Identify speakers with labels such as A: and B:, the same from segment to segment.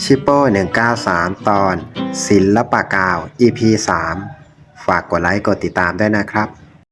A: ชิปโป้193 ตอนศิลปะกาว EP 3 ฝากกดไลค์กดติดตามด้วยนะครับ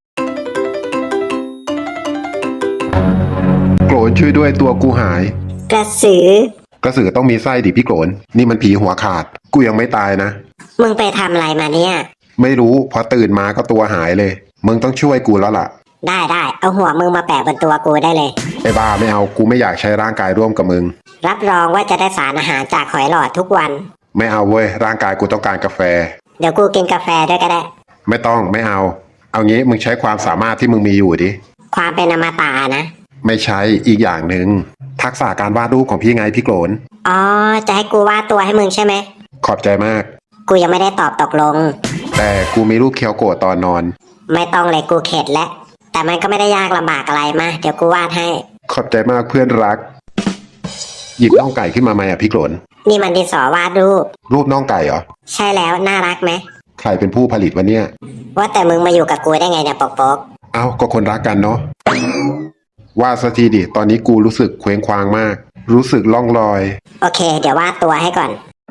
B: โกรนช่วยด้วยตัวกูหาย
C: กระสือ
B: กระสือต้องมีไส้ดิพี่โกรนนี่มันผีหัวขาดกูยังไม่ตายนะ
C: มึงไปทำอะไรมาเนี่ย
B: ไม่รู้พอตื่นมาก็ตัวหายเลยมึงต้องช่วยกูแล้วล่ะ
C: ได้เอาหัวมึงมาแปะบนตัวกูได้เลย
B: ไอ้บ้าไม่เอากูไม่อยากใช้ร่างกายร่วมกับมึง
C: รับรองว่าจะได้สารอาหารจากหอยหลอดทุกวัน
B: ไม่เอาเว้ยร่างกายกูต้องการกาแฟ
C: เดี๋ยวกูกินกาแฟด้วยก็ได้
B: ไม่ต้องไม่เอางี้มึงใช้ความสามารถที่มึงมีอยู่ดิ
C: ความเป็นอมตะนะ
B: ไม่ใช่อีกอย่างหนึ่งทักษะการวาดรูปของพี่ไงพี่โกรน
C: อ๋อ จะให้กูวาดตัวให้มึงใช่ไหม
B: ขอบใจมาก
C: กูยังไม่ได้ตอบตกลง
B: แต่กูมีรูปเคียวโกะตอนนอน
C: ไม่ต้องเลยกูเข็ดแล้วแต่มันก็ไม่ได้ยากลำบากอะไรมาเดี๋ยวกูวาดให้
B: ขอบใจมากเพื่อนรัก หยิบน่องไก่ขึ้นมาไหมอ่ะพี่โกรน
C: นี่มันดินสอวาดรูป
B: รูปน่องไก่เหรอ
C: ใช่แล้วน่ารักไหม
B: ใครเป็นผู้ผลิตวะเนี่ย
C: ว่าแต่มึงมาอยู่กับกูได้ไงเนี่ยปก
B: เอ้าก็คนรักกันเนาะว่าสักทีดิตอนนี้กูรู้สึกเคว้งคว้างมาก รู้สึกล่องลอย
C: โอเค เดี๋ยววาดตัวให้ก่อน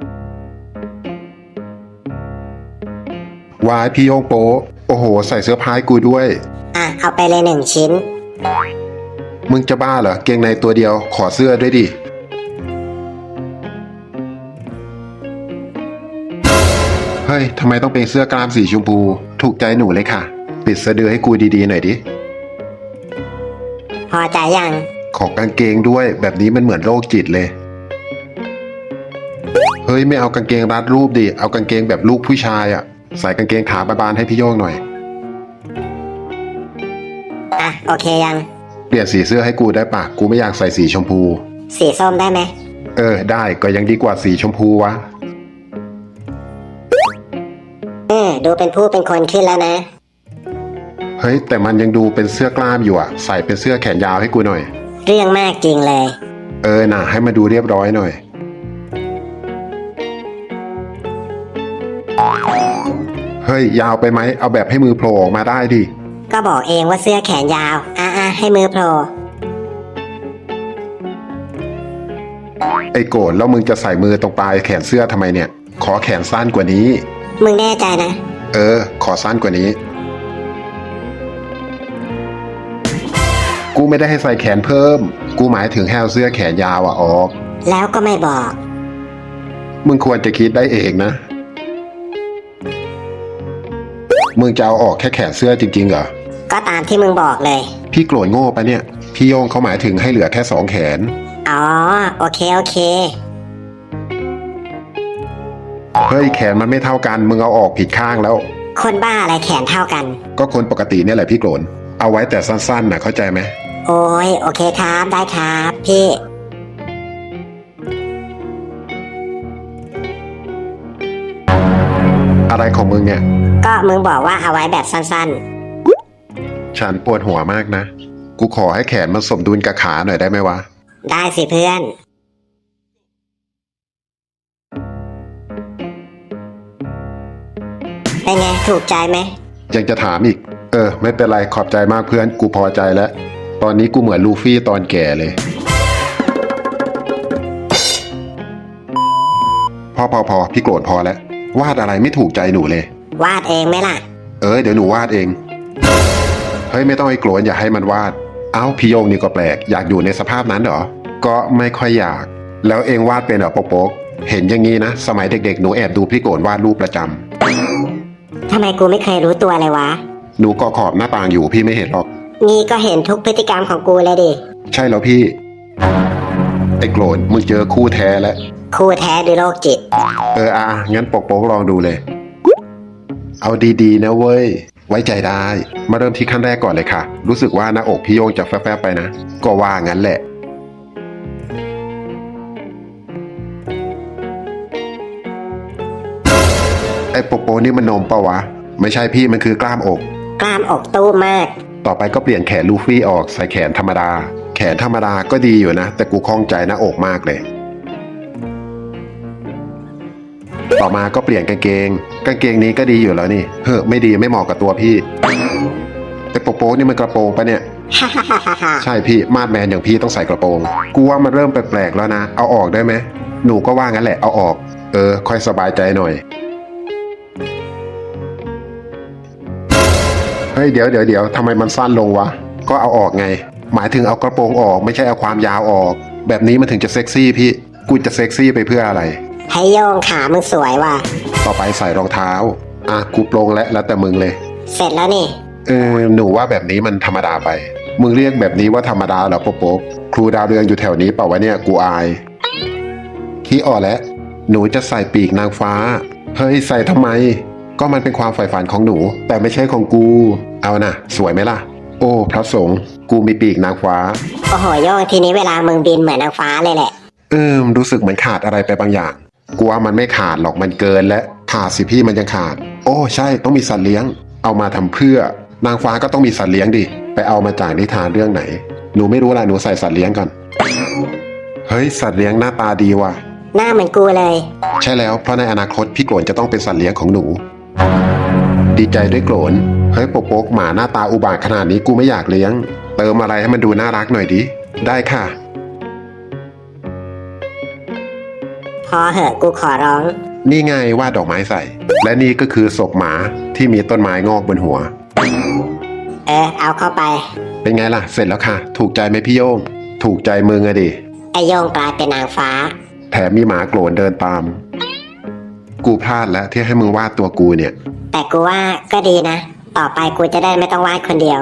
B: วายพี่โยงโปโอ้โหใส่เสื้อผ้าให้กูด้วย
C: อ่ะเอาไปเลย1 ชิ้น
B: มึงจะบ้าเหรอเกงในตัวเดียวขอเสื้อด้วยดิเฮ้ยทำไมต้องเป็นเสื้อกล้ามสีชมพูถูกใจหนูเลยค่ะปิดสะดือให้กูดีๆหน่อยดิ
C: พอใจยัง
B: ขอกางเกงด้วยแบบนี้มันเหมือนโรคจิตเลยเฮ้ยไม่เอากางเกงรัดรูปดิเอากางเกงแบบลูกผู้ชายอ่ะใส่กางเกงขาบานๆให้พี่โยงหน่อย
C: อ่ะโอเคยัง
B: เปลี่ยนสีเสื้อให้กูได้ปะกูไม่อยากใส่สีชมพู
C: สีส้มได้ไหม
B: ได้ก็ยังดีกว่าสีชมพูวะ
C: ดูเป็นผู้เป็นคนขึ้นแล้วนะ
B: เฮ้ยแต่มันยังดูเป็นเสื้อกล้ามอยู่อ่ะใส่เป็นเสื้อแขนยาวให้กูหน่อย
C: เรื่องมากจริงเลย
B: น่ะให้มาดูเรียบร้อยหน่อยเฮ้ยยาวไปไหมเอาแบบให้มือโผล่ออกมาได้ดิ
C: ก็บอกเองว่าเสื้อแขนยาวให้มือโผล่
B: ไอ้โกรธแล้วมึงจะใส่มือตรงปลายแขนเสื้อทำไมเนี่ยขอแขนสั้นกว่านี้
C: มึงแน่ใจนะ
B: ขอสั้นกว่านี้ กูไม่ได้ให้ใส่แขนเพิ่มกูหมายถึงให้เอาเสื้อแขนยาวออก
C: แล้วก็ไม่บอก
B: มึงควรจะคิดได้เองนะมึงจะเอาออกแค่แขนเสื้อจริงๆเหรอ
C: ก็ตามที่มึงบอกเลย
B: พี่โกรธโง่ปะเนี่ยพี่โยงเขาหมายถึงให้เหลือแค่2 แขน
C: อ๋อโอเค
B: เฮ้ยแขนมันไม่เท่ากันมึงเอาออกผิดข้างแล้ว
C: คนบ้าอะไรแขนเท่ากัน
B: ก็คนปกติเนี่ยแหละพี่โกรธเอาไว้แต่สั้นๆนะเข้าใจไหม
C: โอ้ยโอเคครับได้ครับพี่
B: อะไรของมึงเนี่ย
C: ก็มึงบอกว่าเอาไว้แบบสั้น
B: ฉันปวดหัวมากนะกูขอให้แขนมันสมดุลกับขาหน่อยได้ไหมวะ
C: ๆ ได้สิเพื่อน เป็นไงถูกใจไหม
B: ยังจะถามอีกไม่เป็นไรขอบใจมากเพื่อนกูพอใจแล้วตอนนี้กูเหมือนลูฟี่ตอนแก่เลยพอพี่โกรธพอแล้ววาดอะไรไม่ถูกใจหนูเลยว
C: าดเองไหมล่ะ
B: เดี๋ยวหนูวาดเองเฮ้ยไม่ต้องไอ้โกรธอย่าให้มันวาดเอ้าพี่โยงนี่ก็แปลกอยากอยู่ในสภาพนั้นเหรอก็ไม่ค่อยอยากแล้วเองวาดเป็นเหรอโป๊กเห็นอย่างงี้นะสมัยเด็กๆหนูแอบดูพี่โกรธวาดรูปประจำ
C: ทำไมกูไม่เคยรู้ตัวเลยวะ
B: หนูก็ขอบหน้าต่างอยู่พี่ไม่เห็นหรอก
C: นี่ก็เห็นทุกพฤติกรรมของกูเลยดิ
B: ใช่แล้วพี่ไอ้โกรธมึงเจอคู่แท้แล้ว
C: คู่แท้หรือโรคจิต
B: งั้นโป๊กลองดูเลยเอาดีๆนะเว้ยไว้ใจได้มาเริ่มที่ขั้นแรกก่อนเลยค่ะรู้สึกว่าหน้าอกพี่โยงจะแฟบๆไปนะก็ว่างั้นแหละไอ้โป๊กนี่มันนมปะวะไม่ใช่พี่มันคือกล้ามอก
C: กล้ามอกตู้มาก
B: ต่อไปก็เปลี่ยนแขนลูฟี่ออกใส่แขนธรรมดาแขนธรรมดาก็ดีอยู่นะแต่กูข้องใจหน้าอกมากเลยต่อมาก็เปลี่ยนกางเกงนี้ก็ดีอยู่แล้วนี่ไม่ดีไม่เหมาะกับตัวพี่ไอ้โป๊กนี่มันกระโปรงปะเนี่ย ใช่พี่มาดแมนอย่างพี่ต้องใส่กระโปรงกูว่ามันเริ่มแปลกๆแล้วนะเอาออกได้ไหมหนูก็ว่างั้นแหละเอาออก ค่อยสบายใจหน่อย เฮ้ยเดี๋ยวทำไมมันสั้นลงวะ ก็เอาออกไง หมายถึงเอากระโปรงออกไม่ใช่เอาความยาวออก แบบนี้มันถึงจะเซ็กซี่พี่ กูจะเซ็กซี่ไปเพื่ออะไร
C: ให้โยงขามึงสวยว่ะ
B: ต่อไปใส่รองเท้า กูโปรงแล้วแต่มึงเลย
C: เสร็จแล้วนี่
B: หนูว่าแบบนี้มันธรรมดาไป มึงเรียกแบบนี้ว่าธรรมดาเหรอโป๊กครูดาวเรืองอยู่แถวนี้เปล่าวะเนี่ยกูอายขี้อ่อแล้วหนูจะใส่ปีกนางฟ้า เฮ้ยใส่ทำไม ก็มันเป็นความใฝ่ฝันของหนู แต่ไม่ใช่ของกู เอานะสวยไหมล่ะ โอ้พระสงฆ์กูมีปีกนางฟ้า
C: โอ้โหโยงทีนี้เวลามึงบินเหมือนนางฟ้าเลยแหละ
B: รู้สึกเหมือนขาดอะไรไปบางอย่าง กูว่ามันไม่ขาดหรอกมันเกินและขาดสิพี่มันยังขาด โอ้ใช่ต้องมีสัตว์เลี้ยง เอามาทำเพื่อนางฟ้าก็ต้องมีสัตว์เลี้ยงดิ ไปเอามาจากนิทานเรื่องไหน หนูไม่รู้ละหนูใส่สัตว์เลี้ยงก่อน เฮ้ยสัตว์เลี้ยงหน้าตาดีว่ะ
C: หน้าเหมือนกูเลย
B: ใช่แล้วเพราะในอนาคตพี่โกรนจะต้องเป็นสัตว์เลี้ยงของหนู ดีใจด้วยโกรนเฮ้ยโป๊กหมาหน้าตาอุบาทขนาดนี้กูไม่อยากเลี้ยง เติมอะไรให้มันดูน่ารักหน่อยดิ ได้ค่ะ
C: พอเหอะกูขอร้อง
B: นี่ไงวาดดอกไม้ใส่ และนี่ก็คือศพหมาที่มีต้นไม้งอกบนหัว
C: เอาเข้าไป
B: เป็นไงล่ะ เสร็จแล้วค่ะ ถูกใจไหมพี่โยง ถูกใจมึงอะดิ
C: ไอโยงกลายเป็นนางฟ้า
B: แถมมีหมาโกรนเดินตาม กูพลาดแล้วที่ให้มึงวาดตัวกูเนี่ย
C: แต่กูว่าก็ดีนะ ต่อไปกูจะได้ไม่ต้องวาดคนเดียว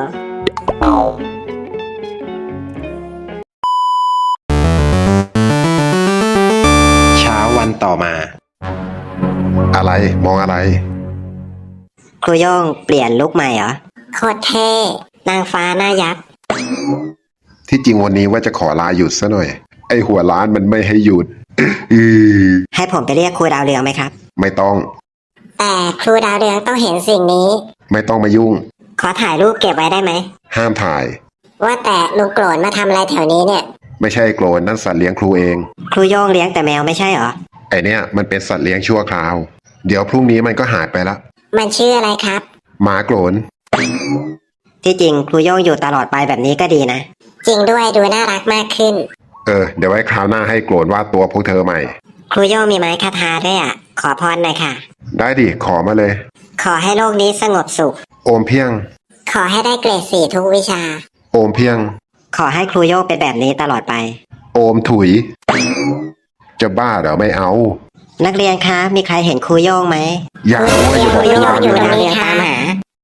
A: เช้าวันต่อมา
B: อะไรมองอะไร
C: ครูโยงเปลี่ยนลุคใหม่เหรอ โคตรเท่ นางฟ้าหน้ายักษ์
B: ที่จริงวันนี้ว่าจะขอลาหยุดซะหน่อย ไอหัวล้านมันไม่ให้หยุด
C: ให้ผมไปเรียกครูดาวเรืองไหมครับ
B: ไม่ต้อง
C: แต่ครูดาวเรืองต้องเห็นสิ่งนี้
B: ไม่ต้องมายุ่ง
C: ขอถ่ายรูปเก็บไว้ได้ไหม
B: ห้ามถ่าย
C: ว่าแต่ลุงโกรนมาทำอะไรแถวนี้เนี่ย
B: ไม่ใช่โกรนนั่นสัตว์เลี้ยงครูเอง
C: ครูโยงเลี้ยงแต่แมวไม่ใช่เหรอ
B: ไอเนี่ยมันเป็นสัตว์เลี้ยงชั่วคราว เดี๋ยวพรุ่งนี้มันก็หายไปละ
C: มันชื่ออะไรครับ
B: หมาโกรน
C: ที่จริงครูโยงอยู่ตลอดไปแบบนี้ก็ดีนะ จริงด้วยดูน่ารักมากขึ้น
B: เดี๋ยวไว้คราวหน้าให้โกรนวาดตัวพวกเธอใหม่
C: ครูโยงมีไม้คาถาด้วยอ่ะ ขอพรหน่อยค่ะ
B: ได้ดิขอมาเลย
C: ขอให้โลกนี้สงบสุข
B: โอมเพียง
C: ขอให้ได้เกรด4ทุกวิชา
B: โอมเพียง
C: ขอให้ครูโยงเป็นแบบนี้ตลอดไป
B: โอมถุย จะบ้าเหรอไม่เอา
C: นักเรียนคะมีใครเห็นครูโยงไหม
B: อย่าว่าอย่าบอก
C: ครูโยงอยู่
B: นะ
C: ดาวเรืองตามหา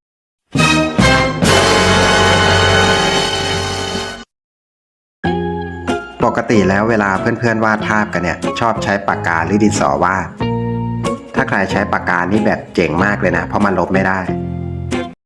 A: ปกติแล้วเวลาเพื่อนๆวาดภาพกันเนี่ย ชอบใช้ปากกาหรือดินสอวาด ถ้าใครใช้ปากกานี่แบบเจ๋งมากเลยนะ เพราะมันลบไม่ได้